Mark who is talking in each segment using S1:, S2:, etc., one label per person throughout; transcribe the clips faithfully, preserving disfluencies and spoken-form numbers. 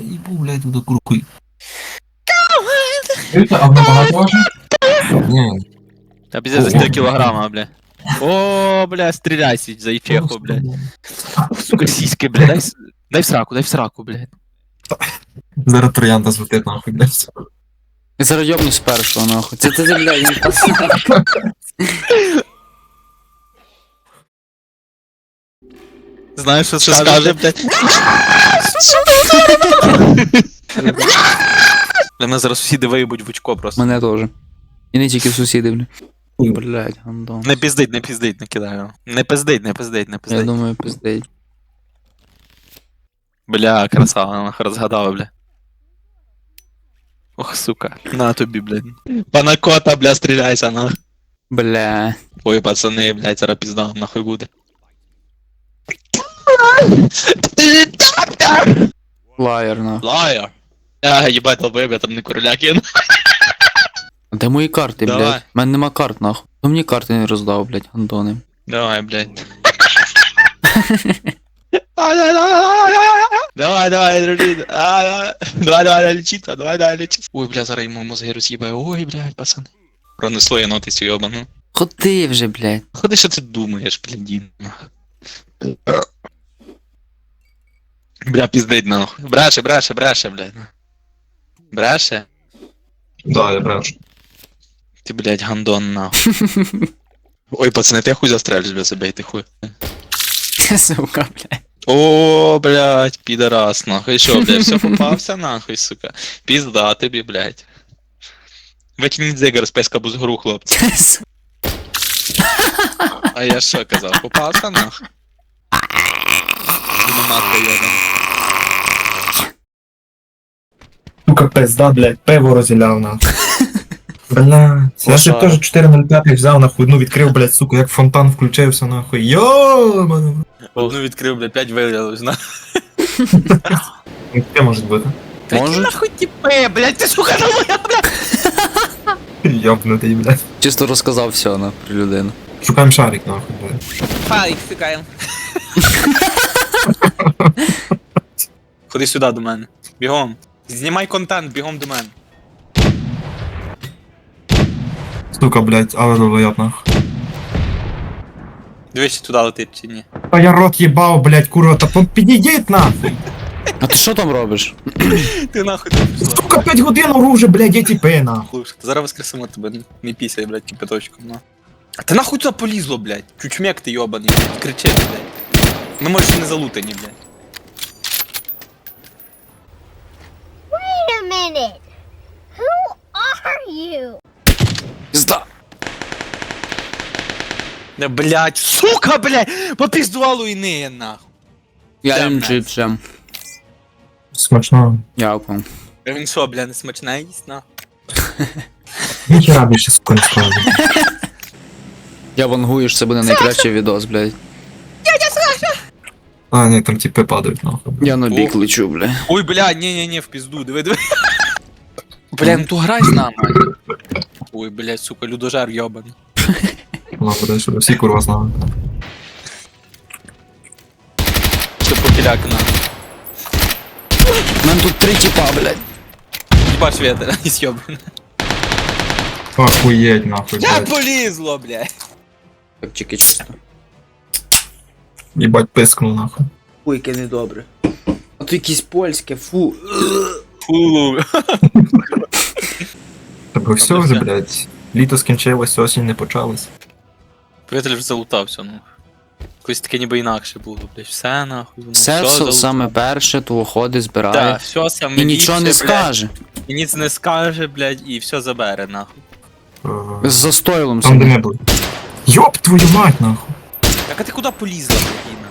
S1: їбу, блядь, туди куркуй.
S2: А вона багато важить?
S1: Ні.
S3: Та пиздец за четыре килограмма, бля. О, бля, стреляй, сидь, за ичеху, блядь. Сука, сиськи, бля, дай, с- дай в сраку, дай в сраку, блядь.
S1: Зараз троянда злетить нахуй, блядь.
S4: Я зараз йобнусь першого, нахуй. Це ти, блядь, не пацан.
S3: Знаешь, что скажет, блядь? Для нас зараз сусіди виїбуть в очко просто.
S4: Мене теж. І не тільки сусіди, блядь. Блядь, гандон.
S3: Не пиздить, не пиздить, не кидаю. Не пиздить, не пиздить, не
S4: Я
S3: пиздить.
S4: думаю, пиздей.
S3: Бля, красава, нахуй розгадала, бля. Ох, сука. На тобі, блядь. Панакота, бля, стріляйся, нахуй.
S4: Бля.
S3: Ой, пацани, блядь, зараз пізда, нахуй буде.
S4: Лаєр, нахуй.
S3: Лайер. А, їбать, долбоєб, я там не короля кину.
S4: А де мої карти,
S3: Давай.
S4: блядь? У мене нема карт, нахуй. Хто мені карти не роздав, блядь, гандони?
S3: Давай, блядь. Давай, давай, дружи. Давай, давай, лечиться, давай, давай, лечиться. Ой, бля, зараз йому мозги роз'їбаю. Ой, блядь, пацани. Пронесло я ноти цю йобану.
S4: Ходи вже, блядь.
S3: Ходи, що ти думаєш, блядін. Бля, пиздить нахуй. Бреше, бреше, бреше, блядь. Бреше?
S2: Да, я брешу.
S3: Ти, блядь, гандон нахуй. Ой, пацани, ти хуй застрелюсь, бля, забейте хуй.
S4: Сука, блядь.
S3: О, блядь, пидорас, нахуй. И шо, блядь, все попався, нахуй, сука. Пизда тобі, блядь. Викиніть зигар з песка бузгру, хлопці. А я що казав, попався, нахуй? Буду матка йобана.
S2: Сука, пизда, блядь, пиво розіляв нахуй. Бля, я ще
S3: Лошара.
S2: теж чотири нуль п'ять взяв нахуй, ну відкрив, блядь, сука, як фонтан включився нахуй. Йо!
S3: Одну відкрив, блядь, п'ять вилялось, на.
S2: Це може бути.
S4: Може?
S3: Нахуй тіпе, блядь, ти сука, нахуй, блядь.
S2: Йобнутий, блядь.
S4: Чисто розказав все, на про людину.
S2: Шукаємо шарик нахуй, блядь.
S3: Файк, сикаємо. Ходи сюди до мене. Бігом. Знімай контент, бігом до мене.
S2: Сука, блядь, але долбоєб нахуй.
S3: Дивись, чи туди летить чи ні.
S2: А я рот їбав, блядь, курва, та пон- підійдіть нахуй.
S4: А ти що там робиш?
S3: Ти нахуй не пішла.
S2: Сука, п'ять годин оружи, блядь, я тіпи нахуй.
S3: Слушай, зараз воскресимо тебе, не пісяй, блядь, кипяточком, на. А ти нахуй туди полізло, блядь? Чучмек ти йобаний, блядь, кричи, блядь. Ми може ще не залутані, блядь.
S5: Wait a minute. Who are you?
S4: Пізда.
S3: Не, блядь, сука, блядь, попіздувало і не, нахуй.
S4: Я
S3: Темне.
S4: їм чипсом.
S2: Смачно.
S4: Дякую.
S3: А він що, блядь, не смачне їсть, нахуй?
S2: Ніхера більше, сука, не скажу.
S4: Я вангую, це буде найкращий відос, блядь.
S2: А, ні, там тіпи падають нахуй.
S4: Я на бік
S3: Ох.
S4: лечу, блядь.
S3: Ой, блядь, ні-ні-ні, в пізду, диви, диви. Бля, ну то грай з нами. Ой, блядь, сука, людожер йобаний.
S2: Ладно, дай сюди, всі курва знали.
S3: Що покіляк, нахуй.
S4: У мене тут три тіпа, блядь.
S3: Їбаш ветер, не сьобаний.
S2: Охуєть нахуй,
S3: Я
S2: блядь.
S3: полізло, блядь.
S4: Так, тільки чисто.
S2: Їбать пискнув нахуй.
S4: Ой, яке недобре. А то якесь польське, фу.
S3: Фу.
S2: Тобто все
S3: Добре,
S2: вже,
S3: все.
S2: блядь. Літо скінчилось, осінь не почалась.
S3: Повітря вже залутався, ну. Якось таке ніби інакше було, блядь. Все нахуй. воно,
S4: Все, все
S3: залутав.
S4: саме перше, то ходить, збирає.
S3: Так, все саме
S4: І нічого не
S3: ліпше, блядь.
S4: скаже.
S3: І ніц не скаже, блядь, і все забере, нахуй.
S2: Е,
S4: З застойлом
S2: Там де
S4: собі.
S2: не було. Йоп твою мать нахуй.
S3: Так а ти куди полізла, блядіна?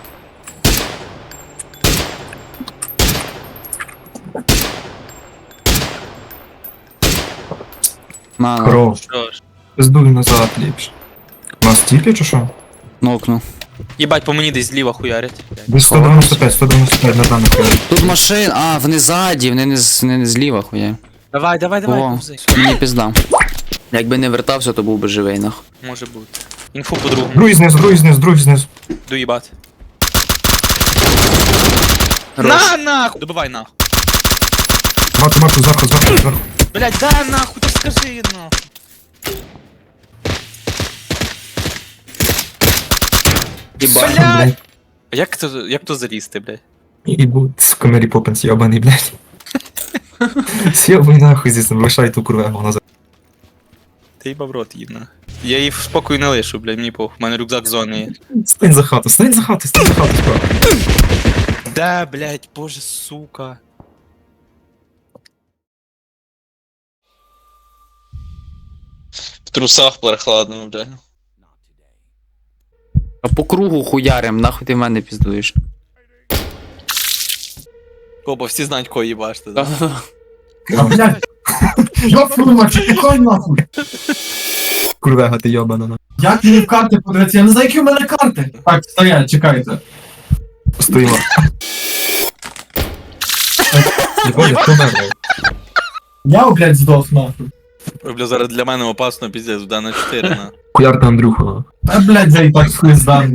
S4: На, на,
S2: Кров.
S3: Що ж?
S2: Пиздуй назад ліпше. У нас тіпі чи що?
S4: нокну.
S3: Їбать, по мені десь зліва хуярять. блядь.
S2: Десь сто дев'яносто п'ять, сто дев'яносто п'ять на даний хвилин.
S4: Тут машин, а, вони ззаді, вони не, з- вони не зліва, хуя.
S3: Давай, давай, давай,
S4: О,
S3: повзи.
S4: мені пізда. Якби не вертався, то був би живий, нахуй.
S3: Може бути. Інфу по-другому.
S2: Другий знизу, другий знизу, другий знизу.
S3: Доїбати.
S4: Хорош.
S3: На, нахуй! Добивай нахуй.
S2: Марку, Марку, зверху, зверху, зверху.
S3: Блядь, дай нахуй, то скажи нахуй.
S4: Єбать.
S3: Блядь! Як то, як то залізти, блядь?
S2: І будь, сука, Мері Поппінс, йобаний, блядь. С'єбай нахуй звісно, лишай ту курвегу назад.
S3: Ти їбав рот їб нахуй. Я її в спокою не лишу, блядь, мені похуй. У мене рюкзак з зони є.
S2: Стань за хату, стань за хату, стань за хату, справа.
S3: Да, блядь, боже, сука. В трусах прохладно, блядь.
S4: А по кругу хуярим, нахуй ти в мене піздуєш.
S3: Опа, всі знають, кого їбашти, да?
S4: Да-да-да.
S2: А, блядь. Я фурма, чекай нахуй. Курвега, ти йобана нахуй.
S6: Як мені в карти подивитися? Я не знаю, які в мене карти. Так, стоять, чекайте.
S2: Стоїмо. Єбать, хто мене?
S6: Я, блядь, здох нахуй.
S3: Ой, бля, зараз для мене опасно, піздець, да на чотири, на.
S2: Куярта Андрюха, нахуй.
S6: Та, блядь, я і так хуй здам.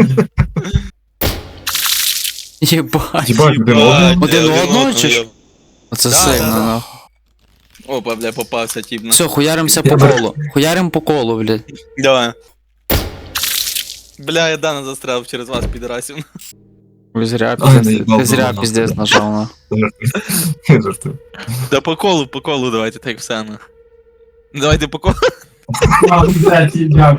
S4: Єбать.
S2: Єбать, один одного.
S4: Один одного, чи ж? Оце
S3: Да,
S4: сильно,
S3: да, да.
S4: нахуй.
S3: Опа, бля, попався тіп на.
S4: Все, хуяримося по колу. Хуярим по колу, блядь.
S3: Давай. Бля, я Дана застряв через вас, підарасів.
S4: Ви зря
S2: Ай,
S4: піздець.
S2: наїбав
S4: Ти зря
S2: дома,
S4: піздець
S2: нахуй.
S4: нажав, нахуй.
S2: Я жартую.
S3: Да по колу, по колу давайте, так все, на. Давайте по колу.
S6: А, блядь, я.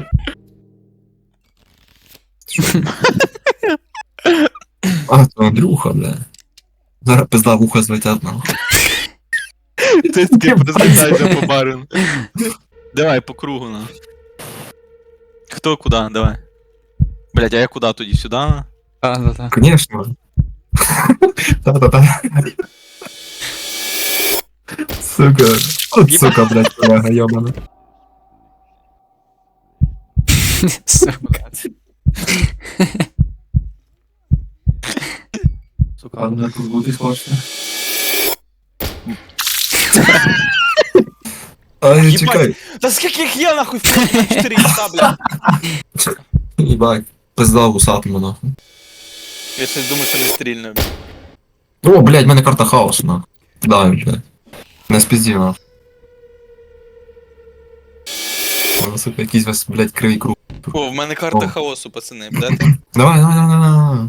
S2: А, то Андрюха, бля. Зараз пизда вуха злетять нахуй.
S3: Ти таки розлітаєшся по бару. Давай, по кругу, на. Хто куди, давай. Блять, а я куди тоді? Сюди? на?
S4: А, да, да.
S2: Конечно. Та-та-та. Сука. От сука, блядь, курвега, йобана.
S4: Сука.
S3: Сука.
S6: Ладно, тут бути хочете.
S2: Ай,
S3: Єбать.
S2: чекай.
S3: Та скільки їх є нахуй? чотири іса, бля.
S2: Єбать. Пизда вусатому, нахуй.
S3: Я щось думаю, що не стрільно.
S2: О, блядь, в мене карта хаосу, нахуй. Да, блядь. Не спіздів, нахуй. О, сука, якийсь весь, блядь, кривий круг.
S3: О, в мене карта
S2: О.
S3: хаосу, пацани, блядь.
S2: Давай, давай, давай, давай.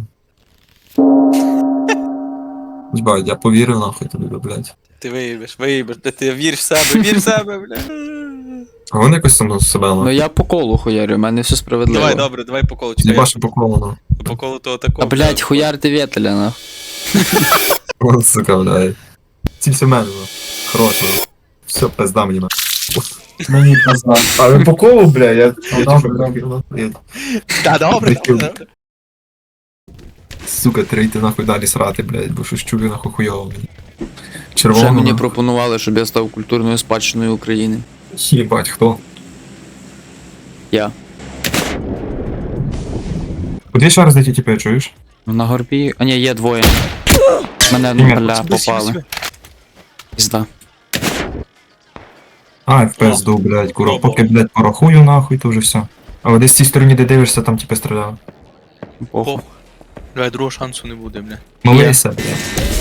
S2: Єбать, я повірив, нахуй тобі, блядь.
S3: Ти виїбеш, виїбеш, де ти вір в себе, вір в себе, бля.
S2: А вони якось там себе,
S4: Ну
S2: нахуй.
S4: я по колу хуярю, в мене все справедливо.
S3: Давай, добре, давай по колу, чекай.
S2: Єбаше по колу, нахуй.
S3: По колу того такого.
S4: А блядь, хуярти вєтеля, нахуй.
S2: О, сука, блядь. Цілься в мене, нахуй. Хорошо. Все, пизда мені, нахуй.
S6: Мені пизда.
S2: А ви по колу, бля, я...
S6: Ну, добре, добре.
S3: Та добре, добре.
S2: Сука, треба йти нахуй далі срати, блядь, бо щось чую нахуй хуйово мені.
S4: Вже
S2: Червоно.
S4: мені
S2: нахуй.
S4: пропонували, щоб я став культурною спадщиною України.
S2: Єбать, хто?
S4: Я.
S2: Куди ще раз дійти тепер, чуєш?
S4: На горбі. А ні, є двоє. Мене, ну, бля, попали. Пізда.
S2: А, в пизду, блядь, куро.
S3: Пробував.
S2: Поки, блядь, порахую нахуй, то вже все. А от десь з цій стороні, де дивишся, там типу стріляв.
S4: Похуй.
S3: Бля, другого шансу не буде, бля.
S2: Молися, блядь.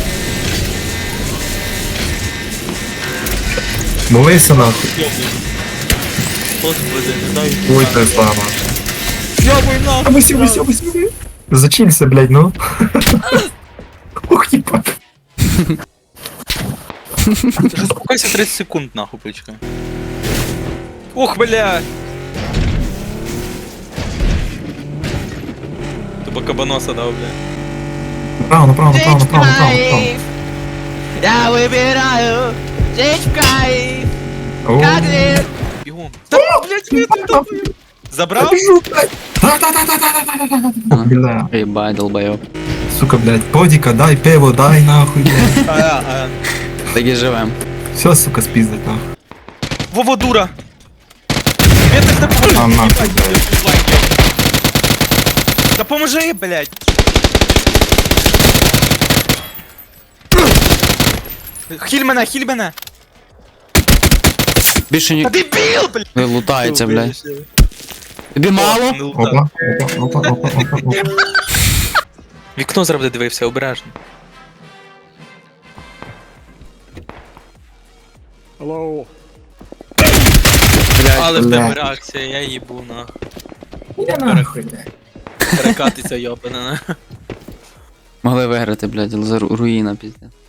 S2: Молися нахуй.
S3: Господи, не знаю.
S2: Ой, пизда, нахуй.
S3: Йобуй нахуй.
S2: А ви сюди, сюди, сюди. Зачинься, блядь, ну. Ух, ебать.
S3: Заспокойся тридцять секунд, нахуй, почекай. Ух, бля! Тобі кабаноса дав, бля.
S2: Направо, направо, направо, направо, направо, направо.
S3: Я вибираю, чекай,
S2: О,
S3: бігом. Та, блядь, я тут добив. Забрав?
S2: Бля,
S4: Єбай, долбайоб.
S2: сука, блядь, подіка, дай пиво, дай нахуй, блядь.
S3: А, а.
S4: Так і живем.
S2: Все, сука, спиздить нахуй.
S3: Вова, дура! Я так не поможу.
S2: А, нахуй,
S3: Ебать,
S2: блядь.
S3: лайки. Та поможи, блядь. Хіль мене, хіль мене.
S4: Більше ні...
S3: Та дебіл, блядь.
S4: Не лутається, блядь. Тобі мало?
S3: Не лута.
S2: Опа, опа, опа, опа, опа, опа.
S3: Вікно зараз буде дивився, обережно. Але в
S2: Бля.
S3: тебе реакція, я їбу на.
S6: Іди нахуй, блядь.
S3: Перекатиться йобана.
S4: Могли виграти, блядь, але за ру- руїна, пізде.